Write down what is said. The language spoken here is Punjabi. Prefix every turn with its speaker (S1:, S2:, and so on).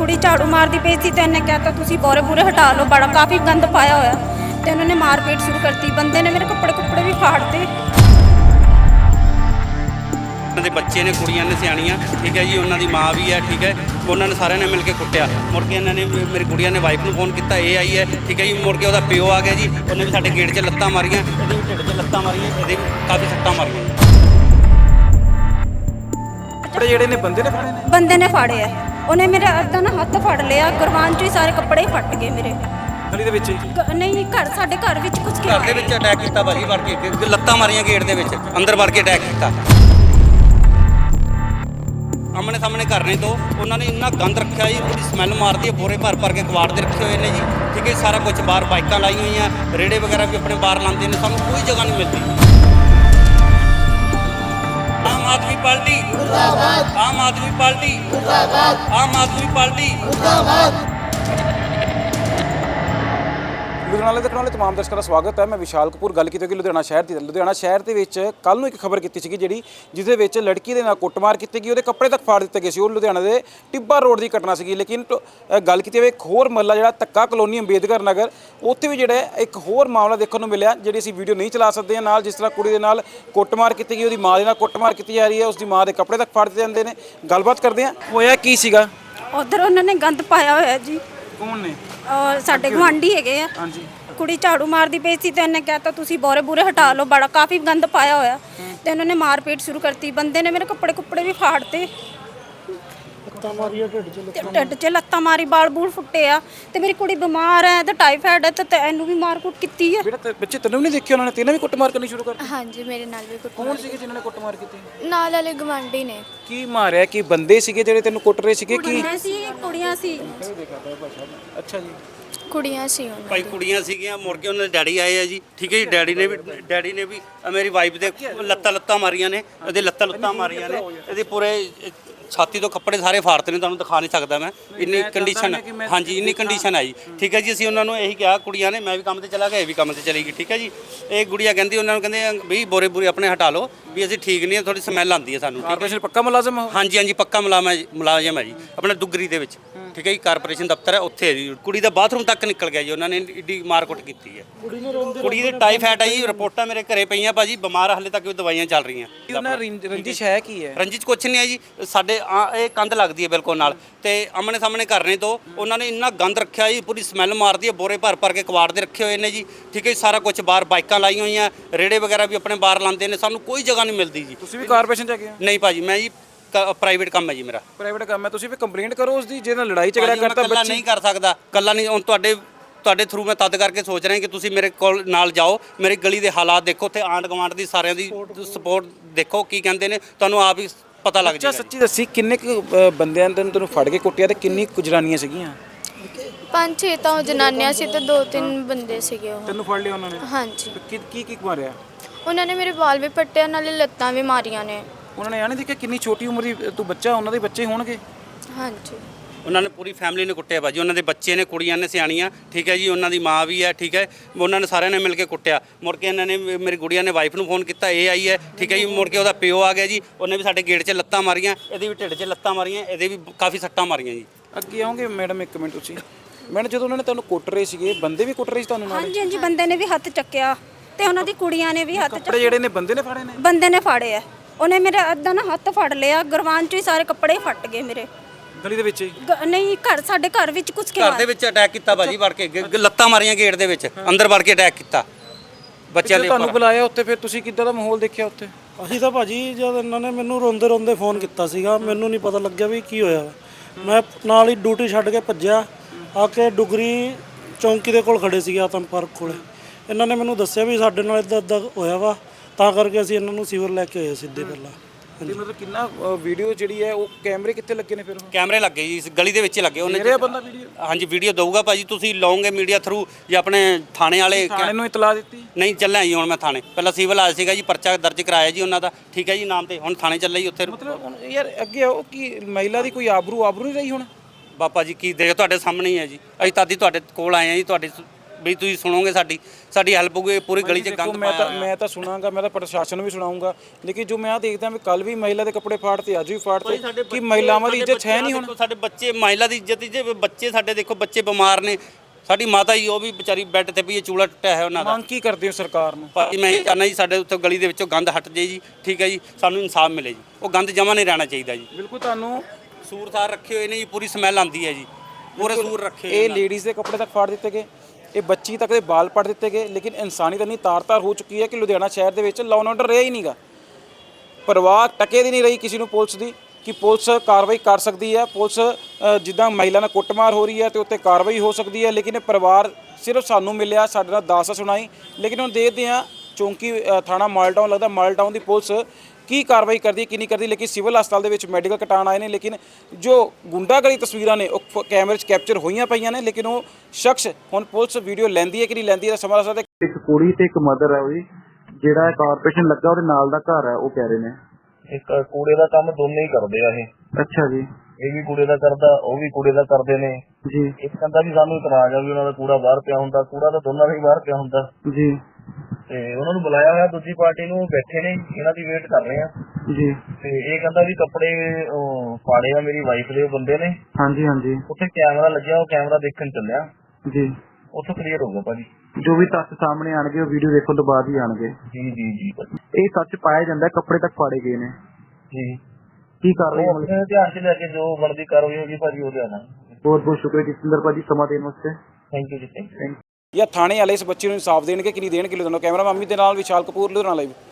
S1: ਕੁੜੀ ਝਾੜੂ ਮਾਰਦੀ ਪਈ ਸੀ ਤੇ ਇਹਨੇ ਕਹਿਤਾ ਤੁਸੀਂ ਬੋਰੇ ਬੂਰੇ ਹਟਾ ਲਓ, ਬੜਾ ਕਾਫੀ ਗੰਦ ਪਾਇਆ ਹੋਇਆ ਤੇ ਉਹਨਾਂ ਨੇ ਮਾਰਪੀਟ ਸ਼ੁਰੂ ਕਰਤੀ। ਬੰਦੇ ਨੇ ਮੇਰੇ ਕੱਪੜੇ ਵੀ ਫਾੜਤੇ।
S2: ਉਹਨਾਂ ਦੇ ਬੱਚੇ ਨੇ, ਕੁੜੀਆਂ ਨੇ ਸਿਆਣੀਆਂ, ਠੀਕ ਹੈ ਜੀ, ਉਹਨਾਂ ਦੀ ਮਾਂ ਵੀ ਹੈ, ਠੀਕ ਹੈ। ਉਹਨਾਂ ਨੇ ਸਾਰਿਆਂ ਨੇ ਮਿਲ ਕੇ ਕੁੱਟਿਆ। ਮੁੜ ਕੇ ਇਹਨਾਂ ਨੇ ਮੇਰੀ ਕੁੜੀਆਂ ਨੇ ਵਾਈਫ ਨੂੰ ਫੋਨ ਕੀਤਾ, ਇਹ ਆਈ ਹੈ, ਠੀਕ ਹੈ ਜੀ। ਮੁੜ ਕੇ ਉਹਦਾ ਪਿਓ ਆ ਗਿਆ ਜੀ, ਉਹਨੇ ਵੀ ਸਾਡੇ ਗੇਟ 'ਚ ਲੱਤਾਂ ਮਾਰੀਆਂ, ਇਹਦੇ ਵੀ ਢਿੱਡ 'ਚ ਲੱਤਾਂ ਮਾਰੀਆਂ, ਇਹਦੇ ਵੀ ਕਾਫੀ ਸੱਟਾਂ ਮਾਰੀਆਂ।
S3: ਜਿਹੜੇ ਨੇ ਬੰਦੇ ਨੇ
S1: ਫਾੜੇ ਆ। ਉਹਨੇ ਮੇਰਾ ਅੱਧਾ ਨਾ ਹੱਥ ਫੜ ਲਿਆ, ਗੁਰਬਾਨ 'ਚ ਹੀ ਸਾਰੇ ਕੱਪੜੇ ਹੀ ਫਟ ਗਏ ਮੇਰੇ।
S3: ਗਲੀ ਦੇ ਵਿੱਚ
S1: ਨਹੀਂ, ਸਾਡੇ ਘਰ ਵਿੱਚ ਕੁਝ
S2: ਘਰ ਦੇ ਵਿੱਚ ਅਟੈਕ ਕੀਤਾ ਭਾਜੀ, ਵੜ ਕੇ ਲੱਤਾਂ ਮਾਰੀਆਂ ਗੇਟ ਦੇ ਵਿੱਚ, ਅੰਦਰ ਵੜ ਕੇ ਅਟੈਕ ਕੀਤਾ। ਆਮਣੇ ਸਾਹਮਣੇ ਕਰਨੇ ਤੋਂ ਉਹਨਾਂ ਨੇ ਇੰਨਾ ਗੰਦ ਰੱਖਿਆ ਜੀ, ਉਹਦੀ ਸਮੈਲ ਮਾਰਦੀ ਹੈ। ਬੋਰੇ ਭਰ ਕੇ ਕਵਾੜ ਦੇ ਰੱਖੇ ਹੋਏ ਨੇ ਜੀ, ਠੀਕ ਹੈ। ਸਾਰਾ ਕੁਝ ਬਾਹਰ ਬਾਈਕਾਂ ਲਾਈ ਹੋਈਆਂ, ਰੇੜੇ ਵਗੈਰਾ ਵੀ ਆਪਣੇ ਬਾਹਰ ਲਾਉਂਦੇ ਨੇ, ਸਾਨੂੰ ਕੋਈ ਜਗ੍ਹਾ ਨਹੀਂ ਮਿਲਦੀ। ਆਮ ਆਦਮੀ ਪਾਰਟੀ ਮੁਰਦਾਬਾਦ, ਆਮ ਆਦਮੀ ਪਾਰਟੀ ਮੁਰਦਾਬਾਦ, ਆਮ ਆਦਮੀ ਪਾਰਟੀ ਮੁਰਦਾਬਾਦ।
S3: ਲੁਧਿਆਣਾ ਦੇਖਣ ਵਾਲੇ ਤਮਾਮ ਦਰਸ਼ਕਾਂ ਦਾ ਸਵਾਗਤ ਹੈ। ਮੈਂ ਵਿਸ਼ਾਲ ਕਪੂਰ। ਗੱਲ ਕੀਤੀ ਕਿ ਲੁਧਿਆਣਾ ਸ਼ਹਿਰ ਦੇ ਵਿੱਚ ਕੱਲ ਨੂੰ ਇੱਕ ਖਬਰ ਕੀਤੀ ਸੀਗੀ ਜਿਹੜੀ ਜਿਸ ਦੇ ਵਿੱਚ ਲੜਕੀ ਦੇ ਨਾਲ ਕੁੱਟਮਾਰ ਕੀਤੀ ਗਈ, ਉਹਦੇ ਕੱਪੜੇ ਤੱਕ ਫਾੜ ਦਿੱਤੇ ਗਏ ਸੀ। ਉਹ ਲੁਧਿਆਣਾ ਦੇ ਟਿੱਬਾ ਰੋਡ ਦੀ ਘਟਨਾ ਸੀਗੀ। ਲੇਕਿਨ ਗੱਲ ਕੀਤੀ ਜਾਵੇ ਇੱਕ ਹੋਰ ਮਹੱਲਾ ਜਿਹੜਾ ਧੱਕਾ ਕਲੋਨੀ ਅੰਬੇਦਕਰ ਨਗਰ, ਉੱਥੇ ਵੀ ਜਿਹੜਾ ਇੱਕ ਹੋਰ ਮਾਮਲਾ ਦੇਖਣ ਨੂੰ ਮਿਲਿਆ ਜਿਹੜੀ ਅਸੀਂ ਵੀਡੀਓ ਨਹੀਂ ਚਲਾ ਸਕਦੇ ਹਾਂ। ਨਾਲ ਜਿਸ ਤਰ੍ਹਾਂ ਕੁੜੀ ਦੇ ਨਾਲ ਕੁੱਟਮਾਰ ਕੀਤੀ ਗਈ, ਉਹਦੀ ਮਾਂ ਦੇ ਨਾਲ ਕੁੱਟਮਾਰ ਕੀਤੀ ਜਾ ਰਹੀ ਹੈ, ਉਸਦੀ ਮਾਂ ਦੇ ਕੱਪੜੇ ਤੱਕ ਫਾੜ ਦਿੱਤੇ ਜਾਂਦੇ ਨੇ। ਗੱਲਬਾਤ ਕਰਦੇ ਹਾਂ, ਹੋਇਆ ਕੀ ਸੀਗਾ
S1: ਉਧਰ। ਉਹਨਾਂ ਨੇ ਗੰਦ ਪਾਇਆ ਹੋਇਆ ਜੀ।
S3: ਕੌਣ ਨੇ?
S1: ਸਾਡੇ ਗੁਆਂਢੀ ਹੈਗੇ ਆ।
S3: ਹਾਂਜੀ।
S1: ਕੁੜੀ ਝਾੜੂ ਮਾਰਦੀ ਪਈ ਸੀ ਤੇ ਇਹਨੇ ਕਹਿਤਾ ਤੁਸੀਂ ਬੋਰੇ ਬੂਰੇ ਹਟਾ ਲਓ, ਬੜਾ ਕਾਫੀ ਗੰਦ ਪਾਇਆ ਹੋਇਆ ਤੇ ਉਹਨਾਂ ਨੇ ਮਾਰਪੀਟ ਸ਼ੁਰੂ ਕਰਤੀ। ਬੰਦੇ ਨੇ ਮੇਰੇ ਕੱਪੜੇ ਵੀ ਫਾੜਤੇ, ਢਿੱਡ 'ਚ ਲੱਤਾਂ ਮਾਰੀ, ਬਾਲ ਬੂਲ ਫੁੱਟੇ ਆ ਤੇ ਮੇਰੀ ਕੁੜੀ ਬਿਮਾਰ ਹੈ ਤੇ ਟਾਈਫਾਇਡ ਹੈ ਤੇ ਇਹਨੂੰ ਵੀ ਮਾਰਕੁੱਟ ਕੀਤੀ ਹੈ।
S3: ਬੇਟਾ ਬੱਚੇ ਤੈਨੂੰ ਨਹੀਂ ਦੇਖਿਆ ਉਹਨਾਂ ਨੇ? ਤੈਨੂੰ ਵੀ ਕੁੱਟਮਾਰ ਕਰਨੀ ਸ਼ੁਰੂ ਕਰਤੀ?
S4: ਹਾਂਜੀ, ਮੇਰੇ ਨਾਲ ਵੀ ਕੁੱਟਮਾਰ।
S3: ਕੌਣ ਸੀਗੇ ਜਿਨ੍ਹਾਂ ਨੇ ਕੁੱਟਮਾਰ ਕੀਤੀ?
S4: ਨਾਲ ਵਾਲੇ ਗਵਾਂਢੀ ਨੇ।
S3: ਕੀ ਮਾਰਿਆ? ਕੀ ਬੰਦੇ ਸੀਗੇ ਜਿਹੜੇ ਤੈਨੂੰ ਕੁੱਟ ਰਹੇ ਸੀਗੇ? ਕੀ
S1: ਕੁੜੀਆਂ ਸੀ।
S3: ਅੱਛਾ ਜੀ,
S4: ਕੁੜੀਆਂ ਸੀ ਉਹਨਾਂ
S2: ਭਾਈ ਕੁੜੀਆਂ ਸੀਗੀਆਂ। ਮੁੜ ਕੇ ਉਹਨਾਂ ਦੇ ਡੈਡੀ ਆਏ ਆ ਜੀ, ਠੀਕ ਹੈ ਜੀ। ਡੈਡੀ ਨੇ ਵੀ ਮੇਰੀ ਵਾਈਫ ਦੇ ਲੱਤਾਂ ਮਾਰੀਆਂ ਨੇ, ਇਹਦੇ ਲੱਤਾਂ ਮਾਰੀਆਂ ਨੇ, ਇਹਦੇ ਪੂਰੇ ਛਾਤੀ ਤੋਂ ਕੱਪੜੇ ਸਾਰੇ ਫਾੜਤੇ ਨੇ। ਤੁਹਾਨੂੰ ਦਿਖਾ ਨਹੀਂ ਸਕਦਾ ਮੈਂ, ਇੰਨੀ ਕੰਡੀਸ਼ਨ। ਹਾਂਜੀ, ਇੰਨੀ ਕੰਡੀਸ਼ਨ ਹੈ ਜੀ, ਠੀਕ ਹੈ ਜੀ। ਅਸੀਂ ਉਹਨਾਂ ਨੂੰ ਇਹੀ ਕਿਹਾ, ਕੁੜੀਆਂ ਨੇ, ਮੈਂ ਵੀ ਕੰਮ ਤੇ ਚਲਾ ਗਿਆ, ਇਹ ਵੀ ਕੰਮ ਤੇ ਚਲੀ ਗਈ, ਠੀਕ ਹੈ ਜੀ। ਇਹ ਗੁੜੀਆ ਕਹਿੰਦੀ ਉਹਨਾਂ ਨੂੰ, ਕਹਿੰਦੇ ਵੀ ਬੋਰੇ ਆਪਣੇ ਹਟਾ ਲਓ, ਵੀ ਅਸੀਂ ਠੀਕ ਨਹੀਂ, ਥੋੜੀ ਸਮੈਲ ਆਉਂਦੀ ਹੈ ਸਾਨੂੰ।
S3: ਕਾਰਪੋਰੇਸ਼ਨ ਪੱਕਾ ਮੁਲਾਜ਼ਮ ਹੋ?
S2: ਹਾਂਜੀ, ਪੱਕਾ ਮੁਲਾਜ਼ਮ ਹੈ ਜੀ, ਆਪਣੇ ਦੁੱਗਰੀ ਦੇ ਵਿੱਚ, ਠੀਕ ਹੈ ਜੀ। ਕਾਰਪੋਰੇਸ਼ਨ ਦਫ਼ਤਰ ਹੈ ਉੱਥੇ ਜੀ। ਕੁੜੀ ਦਾ ਬਾਥਰੂਮ ਤੱਕ ਨਿਕਲ ਗਿਆ ਜੀ, ਉਹਨਾਂ ਨੇ ਏਡੀ ਮਾਰਕੁੱਟ ਕੀਤੀ ਹੈ। ਕੁੜੀ ਦੇ ਟਾਈਫਾਇਡ ਹੈ ਜੀ, ਰਿਪੋਰਟਾਂ ਮੇਰੇ ਘਰੇ ਪਈਆਂ ਭਾਜੀ, ਬਿਮਾਰ ਹਾਲੇ ਤੱਕ ਵੀ ਦਵਾਈਆਂ ਚੱਲ ਰਹੀਆਂ।
S3: ਉਹਨਾਂ ਰੰਜਿਸ਼ ਹੈ ਕੀ ਹੈ?
S2: ਰੰਜਿਸ਼ ਕੁਛ ਨਹੀਂ ਹੈ ਜੀ। ਸਾਡੇ ਇਹ ਕੰਧ ਲੱਗਦੀ ਹੈ ਬਿਲਕੁਲ ਨਾਲ, ਤੇ ਆਮਣੇ ਸਾਹਮਣੇ ਕਰਨੇ ਤੋਂ ਉਹਨਾਂ ਨੇ ਇੰਨਾ ਗੰਦ ਰੱਖਿਆ ਜੀ, ਪੂਰੀ ਸਮੈਲ ਮਾਰਦੀ ਹੈ। ਬੋਰੇ ਭਰ ਕੇ ਕਵਾੜ ਦੇ ਰੱਖੇ ਹੋਏ ਨੇ ਜੀ, ਠੀਕ ਹੈ ਜੀ। ਸਾਰਾ ਕੁਝ ਬਾਹਰ ਬਾਈਕਾਂ ਲਾਈ ਹੋਈਆਂ, ਰੇੜੇ ਵਗੈਰਾ ਵੀ ਆਪਣੇ ਬਾਹਰ ਲਾਉਂਦੇ ਨੇ, ਸਾਨੂੰ ਕੋਈ ਜਗ੍ਹਾ ਨਹੀਂ ਮਿਲਦੀ ਜੀ।
S3: ਤੁਸੀਂ ਵੀ ਕਾਰਪੋਰੇਸ਼ਨ ਚ ਗਏ?
S2: ਨਹੀਂ ਭਾਜੀ, ਮੈਂ ਜੀ ਪ੍ਰਾਈਵੇਟ ਕੰਮ ਹੈ ਜੀ ਮੇਰਾ।
S3: ਪ੍ਰਾਈਵੇਟ ਕੰਮ ਹੈ, ਤੁਸੀਂ ਵੀ ਕੰਪਲੇਂਟ ਕਰੋ ਉਸ ਦੀ। ਜਿਹਦੇ ਨਾਲ ਲੜਾਈ ਝਗੜਾ ਕਰਤਾ
S2: ਬੱਚਾ ਨਹੀਂ ਕਰ ਸਕਦਾ, ਕੱਲਾ ਨਹੀਂ। ਹੁਣ ਤੁਹਾਡੇ ਥਰੂ ਮੈਂ ਤਦ ਕਰਕੇ ਸੋਚ ਰਿਹਾ ਕਿ ਤੁਸੀਂ ਮੇਰੇ ਕੋਲ ਨਾਲ ਜਾਓ, ਮੇਰੀ ਗਲੀ ਦੇ ਹਾਲਾਤ ਦੇਖੋ, ਉੱਥੇ ਆਂਢ ਗੁਆਂਢ ਦੀ ਸਾਰਿਆਂ ਦੀ ਸਪੋਰਟ ਦੇਖੋ, ਕੀ ਕਹਿੰਦੇ ਨੇ, ਤੁਹਾਨੂੰ ਆਪ ਹੀ ਪਤਾ ਲੱਗ ਜਾਏਗਾ।
S3: ਸੱਚੀ ਦੱਸੀ, ਕਿੰਨੇ ਕੁ ਬੰਦਿਆਂ ਨੇ ਤੈਨੂੰ ਫੜ ਕੇ ਕੁੱਟਿਆ ਤੇ ਕਿੰਨੀ ਕੁ ਜਨਾਨੀਆਂ ਸੀਗੀਆਂ?
S4: 5-6 ਤਾਂ ਉਹ ਜਨਾਨੀਆਂ ਸੀ ਤੇ 2-3 ਬੰਦੇ ਸੀਗੇ ਉਹ।
S3: ਤੈਨੂੰ ਫੜ ਲਿਆ ਉਹਨਾਂ ਨੇ?
S4: ਹਾਂਜੀ।
S3: ਕੀ ਮਾਰਿਆ?
S4: ਉਹਨਾਂ ਨੇ ਮੇਰੇ ਵਾਲ ਵੀ ਪੱਟੇ, ਨਾਲੇ ਲੱਤਾਂ ਵੀ ਮਾਰੀਆਂ ਨੇ।
S3: ਉਹਨਾਂ ਨੇ ਇਹ ਨਹੀਂ ਦੇਖਿਆ ਕਿੰਨੀ ਛੋਟੀ ਉਮਰ ਦੀ ਤੂੰ ਬੱਚਾ, ਉਹਨਾਂ ਦੇ ਬੱਚੇ ਹੋਣਗੇ?
S4: ਹਾਂਜੀ।
S2: ਉਹਨਾਂ ਨੇ ਪੂਰੀ ਫੈਮਿਲੀ ਨੇ ਕੁੱਟਿਆ ਭਾਜੀ। ਉਹਨਾਂ ਦੇ ਬੱਚੇ ਨੇ, ਕੁੜੀਆਂ ਨੇ ਸਿਆਣੀਆਂ, ਠੀਕ ਹੈ ਜੀ। ਉਹਨਾਂ ਦੀ ਮਾਂ ਵੀ ਹੈ, ਠੀਕ ਹੈ। ਉਹਨਾਂ ਨੇ ਸਾਰਿਆਂ ਨੇ ਮਿਲ ਕੇ ਕੁੱਟਿਆ। ਮੁੜ ਕੇ ਇਹਨਾਂ ਨੇ ਮੇਰੀ ਗੁੜੀਆਂ ਨੇ ਵਾਈਫ ਨੂੰ ਫੋਨ ਕੀਤਾ, ਇਹ ਆਈ ਹੈ, ਠੀਕ ਹੈ ਜੀ। ਮੁੜ ਕੇ ਉਹਦਾ ਪਿਓ ਆ ਗਿਆ ਜੀ, ਉਹਨੇ ਵੀ ਸਾਡੇ ਗੇਟ 'ਚ ਲੱਤਾਂ ਮਾਰੀਆਂ, ਇਹਦੇ ਵੀ ਢਿੱਡ 'ਚ ਲੱਤਾਂ ਮਾਰੀਆਂ, ਇਹਦੇ ਵੀ ਕਾਫੀ ਸੱਟਾਂ ਮਾਰੀਆਂ ਜੀ।
S3: ਅੱਗੇ ਆਉਂਗੇ ਮੈਡਮ, ਇੱਕ ਮਿੰਟ ਤੁਸੀਂ। ਮੈਡਮ, ਜਦੋਂ ਉਹਨਾਂ ਨੇ ਤੁਹਾਨੂੰ ਕੁੱਟ ਰਹੇ ਸੀਗੇ, ਬੰਦੇ ਵੀ ਕੁੱਟ ਰਹੇ ਸੀ ਤੁਹਾਨੂੰ ਨਾਲ?
S1: ਹਾਂਜੀ, ਬੰਦੇ ਨੇ ਵੀ ਹੱਥ ਚੱਕਿਆ ਤੇ ਉਹਨਾਂ ਦੀ ਕੁੜੀਆਂ ਨੇ ਵੀ ਹੱਥ ਚੱਕਿਆ।
S3: ਕੱਪੜੇ ਜਿਹੜੇ ਨੇ ਬੰਦੇ ਨੇ ਫਾੜੇ ਨੇ?
S1: ਬੰਦੇ ਨੇ ਫਾੜੇ ਆ। ਉਹਨੇ ਮੇਰਾ ਅੱਧਾ ਨਾ ਹੱਥ ਫੜ ਲਿਆ, ਗੁਰਬਾਨ 'ਚ ਹੀ ਸਾਰੇ ਕੱਪੜੇ ਫਟ ਗਏ ਮੇਰੇ।
S3: ਗਲੀ ਦੇ ਵਿੱਚ ਹੀ?
S1: ਨਹੀਂ, ਸਾਡੇ ਘਰ ਵਿੱਚ ਕੁਝ
S2: ਘਰ ਦੇ ਵਿੱਚ ਅਟੈਕ ਕੀਤਾ ਭਾਜੀ, ਵੜ ਕੇ ਲੱਤਾਂ ਮਾਰੀਆਂ ਗੇਟ ਦੇ ਵਿੱਚ, ਅੰਦਰ ਵੜ ਕੇ ਅਟੈਕ ਕੀਤਾ ਬੱਚਿਆਂ ਦੇ।
S3: ਤੁਹਾਨੂੰ ਬੁਲਾਇਆ ਉੱਥੇ, ਫਿਰ ਤੁਸੀਂ ਕਿੱਦਾਂ ਦਾ ਮਾਹੌਲ ਦੇਖਿਆ ਉੱਥੇ?
S5: ਅਸੀਂ ਤਾਂ ਭਾਜੀ ਜਦ ਇਹਨਾਂ ਨੇ ਮੈਨੂੰ ਰੋਂਦੇ ਫੋਨ ਕੀਤਾ ਸੀਗਾ, ਮੈਨੂੰ ਨਹੀਂ ਪਤਾ ਲੱਗਿਆ ਵੀ ਕੀ ਹੋਇਆ। ਮੈਂ ਨਾਲ ਹੀ ਡਿਊਟੀ ਛੱਡ ਕੇ ਭੱਜਿਆ, ਆ ਕੇ ਡੁਗਰੀ ਚੌਂਕੀ ਦੇ ਕੋਲ ਖੜੇ ਸੀਗੇ, ਆਤਮ ਪਾਰਕ ਕੋਲੇ। ਇਹਨਾਂ ਨੇ ਮੈਨੂੰ ਦੱਸਿਆ ਵੀ ਸਾਡੇ ਨਾਲ ਇੱਦਾਂ ਹੋਇਆ ਵਾ, ਤਾਂ ਕਰਕੇ ਅਸੀਂ ਇਹਨਾਂ ਨੂੰ ਸਿਵਲ ਲੈ ਕੇ ਆਏ ਸਿੱਧੇ ਪਹਿਲਾਂ।
S3: ਤੇ ਮਤਲਬ ਕਿੰਨਾ ਵੀਡੀਓ ਜਿਹੜੀ ਹੈ ਉਹ ਕੈਮਰੇ ਕਿੱਥੇ ਲੱਗੇ ਨੇ? ਫਿਰ
S2: ਕੈਮਰੇ ਲੱਗੇ ਜੀ, ਇਸ ਗਲੀ ਦੇ ਵਿੱਚ ਹੀ ਲੱਗੇ। ਉਹਨੇ
S3: ਮੇਰੇ ਬੰਦਾ ਵੀਡੀਓ?
S2: ਹਾਂਜੀ, ਵੀਡੀਓ ਦਊਗਾ ਭਾਜੀ, ਤੁਸੀਂ ਲਓਗੇ ਮੀਡੀਆ ਥਰੂ ਜਾਂ ਆਪਣੇ ਥਾਣੇ ਵਾਲੇ?
S3: ਥਾਣੇ ਨੂੰ ਇਤਲਾਹ ਦਿੱਤੀ?
S2: ਨਹੀਂ, ਚੱਲਿਆ ਜੀ ਹੁਣ ਮੈਂ ਥਾਣੇ। ਪਹਿਲਾਂ ਸਿਵਲ ਆਇਆ ਸੀਗਾ ਜੀ, ਪਰਚਾ ਦਰਜ ਕਰਾਇਆ ਜੀ ਉਹਨਾਂ ਦਾ, ਠੀਕ ਹੈ ਜੀ, ਨਾਮ ਤੇ। ਹੁਣ ਥਾਣੇ ਚੱਲਿਆ ਜੀ ਉੱਥੇ।
S3: ਮਤਲਬ ਯਾਰ ਅੱਗੇ ਆਓ ਕਿ ਮਹਿਲਾ ਦੀ ਕੋਈ ਆਬਰੂ ਨਹੀਂ ਰਹੀ ਹੁਣ?
S2: ਬਾਪਾ ਜੀ ਕੀ ਦੇਖ, ਤੁਹਾਡੇ ਸਾਹਮਣੇ ਹੀ ਹੈ ਜੀ। ਅਸੀਂ ਤਾਂ ਤੁਹਾਡੇ ਕੋਲ ਆਏ ਆ ਜੀ, ਤੁਹਾਡੇ ਵੀ ਤੁਸੀਂ ਸੁਣੋਗੇ ਸਾਡੀ ਹੈਲਪ ਹੋਊਗੀ। ਪੂਰੀ ਗਲੀ 'ਚ ਗੰਦ ਪਾਇਆ ਹੋਇਆ।
S3: ਮੈਂ ਤਾਂ ਸੁਣਾਂਗਾ, ਮੈਂ ਤਾਂ ਪ੍ਰਸ਼ਾਸਨ ਨੂੰ ਵੀ ਸੁਣਾਉਂਗਾ, ਲੇਕਿਨ ਜੋ ਮੈਂ ਦੇਖਦਾ ਵੀ ਕੱਲ ਵੀ ਮਹਿਲਾ ਦੇ ਕੱਪੜੇ ਫਾੜਤੇ, ਅੱਜ ਵੀ ਫਾੜਤੇ, ਕਿ ਮਹਿਲਾਵਾਂ ਦੀ ਇੱਜ਼ਤ ਹੈ ਨਹੀਂ ਹੁਣ।
S2: ਸਾਡੇ ਬੱਚੇ, ਮਹਿਲਾ ਦੀ ਇੱਜ਼ਤ, ਜੇ ਬੱਚੇ ਸਾਡੇ ਦੇਖੋ, ਬੱਚੇ ਬਿਮਾਰ ਨੇ, ਸਾਡੀ ਮਾਤਾ ਜੀ ਉਹ ਵੀ ਵਿਚਾਰੀ ਬੈੱਡ ਤੇ ਪਈ, ਚੂਲਾ ਟੁੱਟਿਆ ਹੈ ਉਹਨਾਂ ਦਾ।
S3: ਮੰਗ ਕੀ ਕਰਦੇ ਹੋ ਸਰਕਾਰ ਨੂੰ?
S2: ਭਾਜੀ ਮੈਂ ਇਹ ਚਾਹੁੰਦਾ ਜੀ ਸਾਡੇ ਉੱਥੇ ਗਲੀ ਦੇ ਵਿੱਚੋਂ ਗੰਦ ਹਟ ਜੇ ਜੀ, ਠੀਕ ਹੈ ਜੀ, ਸਾਨੂੰ ਇਨਸਾਫ ਮਿਲੇ ਜੀ। ਉਹ ਗੰਦ ਜਮਾ ਨਹੀਂ ਰਹਿਣਾ ਚਾਹੀਦਾ ਜੀ।
S3: ਬਿਲਕੁਲ ਤੁਹਾਨੂੰ
S2: ਸੂਰਤਾਰ ਰੱਖੇ ਹੋਏ ਨੇ ਜੀ, ਪੂਰੀ ਸਮੈਲ ਆਉਂਦੀ ਹੈ ਜੀ, ਪੂਰੇ ਸੂਰ ਰੱਖੇ ਹੋਏ
S3: ਇਹ
S2: ਨੇ।
S3: ਲੇਡੀਜ਼ ਦੇ ਕੱਪੜੇ ਤੱਕ ਫਾੜ ਦਿੱਤੇ ਗਏ, ਇਹ ਬੱਚੀ ਤੱਕ ਦੇ ਵਾਲ ਪੜ ਦਿੱਤੇ ਗਏ, ਲੇਕਿਨ ਇਨਸਾਨੀਅਤ ਇੰਨੀ ਤਾਰ-ਤਾਰ ਹੋ ਚੁੱਕੀ ਹੈ ਕਿ ਲੁਧਿਆਣਾ ਸ਼ਹਿਰ ਦੇ ਵਿੱਚ ਲਾਅ ਐਂਡ ਆਰਡਰ ਰਿਹਾ ਹੀ ਨਹੀਂਗਾ। ਪਰਵਾਹ ਟਕੇ ਦੀ ਨਹੀਂ ਰਹੀ ਕਿਸੇ ਨੂੰ ਪੁਲਿਸ ਦੀ, ਕਿ ਪੁਲਿਸ ਕਾਰਵਾਈ ਕਰ ਸਕਦੀ ਹੈ। ਪੁਲਿਸ ਜਿੱਦਾਂ ਮਹਿਲਾ ਨਾਲ ਕੁੱਟਮਾਰ ਹੋ ਰਹੀ ਹੈ ਤੇ ਉੱਤੇ ਕਾਰਵਾਈ ਹੋ ਸਕਦੀ ਹੈ, ਲੇਕਿਨ ਇਹ ਪਰਿਵਾਰ ਸਿਰਫ ਸਾਨੂੰ ਮਿਲਿਆ, ਸਾਡੇ ਨਾਲ ਦਾਸਾ ਸੁਣਾਈ। ਲੇਕਿਨ ਹੁਣ ਦੇਖਦੇ ਹਾਂ ਚੌਂਕੀ ਥਾਣਾ ਮਾਲ ਟਾਊਨ, ਲੱਗਦਾ ਮਾਲ ਟਾਊਨ ਦੀ ਪੁਲਿਸ ਕੀ ਕਾਰਵਾਈ ਕਰਦੀ ਹੈ ਕੀ ਨਹੀਂ ਕਰਦੀ। ਲੇਕਿਨ ਸਿਵਲ ਹਸਪਤਾਲ ਦੇ ਵਿੱਚ ਮੈਡੀਕਲ ਕਟਾਉਣ ਆਏ ਨੇ, ਲੇਕਿਨ ਜੋ ਗੁੰਡਾਗਰਦੀ ਤਸਵੀਰਾਂ ਨੇ ਉਹ ਕੈਮਰੇ 'ਚ ਕੈਪਚਰ ਹੋਈਆਂ ਪਈਆਂ ਨੇ, ਲੇਕਿਨ ਉਹ ਸ਼ਖਸ ਹੁਣ ਪੁਲਿਸ ਵੀਡੀਓ ਲੈਂਦੀ ਹੈ ਕਿ ਨਹੀਂ ਲੈਂਦੀ ਹੈ ਤਾਂ ਸਮਾਂ ਦੱਸਦਾ।
S6: ਇੱਕ ਕੁੜੀ ਤੇ ਇੱਕ ਮਦਰ ਹੈ ਉਹਦੀ, ਜਿਹੜਾ ਕਾਰਪੋਰੇਸ਼ਨ ਲੱਗਾ ਉਹਦੇ ਨਾਲ ਦਾ ਘਰ ਹੈ, ਉਹ ਕਹਿ ਰਹੇ ਨੇ
S7: ਇੱਕ ਕੂੜੇ ਦਾ ਕੰਮ ਦੋਨੇ ਹੀ ਕਰਦੇ ਆ ਇਹ।
S6: ਅੱਛਾ ਜੀ।
S7: ਇਹ ਵੀ ਕੂੜੇ ਦਾ ਕਰਦਾ, ਉਹ ਵੀ ਕੂੜੇ ਦਾ ਕਰਦੇ ਨੇ
S6: ਜੀ।
S7: ਇੱਕ ਕਹਿੰਦਾ ਵੀ ਸਾਨੂੰ ਇਤਰਾਜ਼ ਆ ਵੀ ਉਹਨਾਂ ਦਾ ਕੂੜਾ ਬਾਹਰ ਪਿਆ ਹੁੰਦਾ, ਕੂੜਾ ਤਾਂ ਦੋਨਾਂ ਦਾ ਹੀ ਬਾਹਰ ਪਿਆ ਹੁੰਦਾ
S6: ਜੀ।
S7: ਤੇ ਉਹਨਾਂ ਨੂੰ ਬੁਲਾਇਆ ਹੋਇਆ, ਦੂਜੀ ਪਾਰਟੀ ਨੂੰ, ਬੈਠੇ ਨੇ, ਇਹਨਾਂ ਦੀ ਵੇਟ ਕਰ ਰਹੇ ਆ
S6: ਜੀ।
S7: ਤੇ ਇਹ ਕਹਿੰਦਾ ਵੀ ਕੱਪੜੇ ਪਾੜੇ ਆ ਮੇਰੀ ਵਾਈਫ ਦੇ, ਉਹ ਬੰਦੇ ਨੇ।
S6: ਹਾਂਜੀ ਹਾਂਜੀ।
S7: ਉੱਥੇ ਕੈਮਰਾ ਲੱਗਿਆ, ਉਹ ਕੈਮਰਾ ਦੇਖਣ ਚੱਲਿਆ
S6: ਜੀ।
S7: ਉੱਥੋਂ ਕਲੀਅਰ ਹੋ ਗਿਆ ਭਾਜੀ।
S6: ਜੋ ਵੀ ਤੱਥ ਸਾਹਮਣੇ ਆਣਗੇ ਉਹ ਵੀਡੀਓ ਦੇਖਣ ਤੋਂ ਬਾਅਦ ਹੀ ਆਣਗੇ।
S7: ਜੀ ਜੀ ਜੀ ਭਾਜੀ।
S6: ਇਹ ਸੱਚ ਪਾਇਆ ਜਾਂਦਾ ਕੱਪੜੇ ਤੱਕ ਫਾੜੇ ਗਏ ਨੇ
S7: ਜੀ।
S6: ਕੀ ਕਰ ਰਹੇ
S7: ਉਹ
S6: ਹੋ?
S7: ਆਪਣੇ ਧਿਆਨ 'ਚ ਲੈ ਕੇ ਜੋ ਬਣਦੀ ਕਾਰਵਾਈ ਹੋਗੀ ਭਾਜੀ ਉਹ ਲਿਆਣਾ।
S6: ਬਹੁਤ ਬਹੁਤ ਸ਼ੁਕਰੀਆ ਜਸਵਿੰਦਰ ਭਾਜੀ ਸਮਾਂ ਦੇਣ ਵਾਸਤੇ।
S7: ਥੈਂਕ ਯੂ ਜੀ, ਥੈਂਕ ਯੂ।
S3: ਜਾਂ ਥਾਣੇ ਵਾਲੇ ਇਸ ਬੱਚੇ ਨੂੰ ਇਨਸਾਫ ਦੇਣਗੇ ਕਿ ਨਹੀਂ ਦੇਣਗੇ? ਲੁਧਿਆਣਾ ਕੈਮਰਾ ਮੰਮੀ ਦੇ ਨਾਲ ਵਿਸ਼ਾਲ ਕਪੂਰ, ਲੁਧਿਆਣਾ ਲਾਈਵ।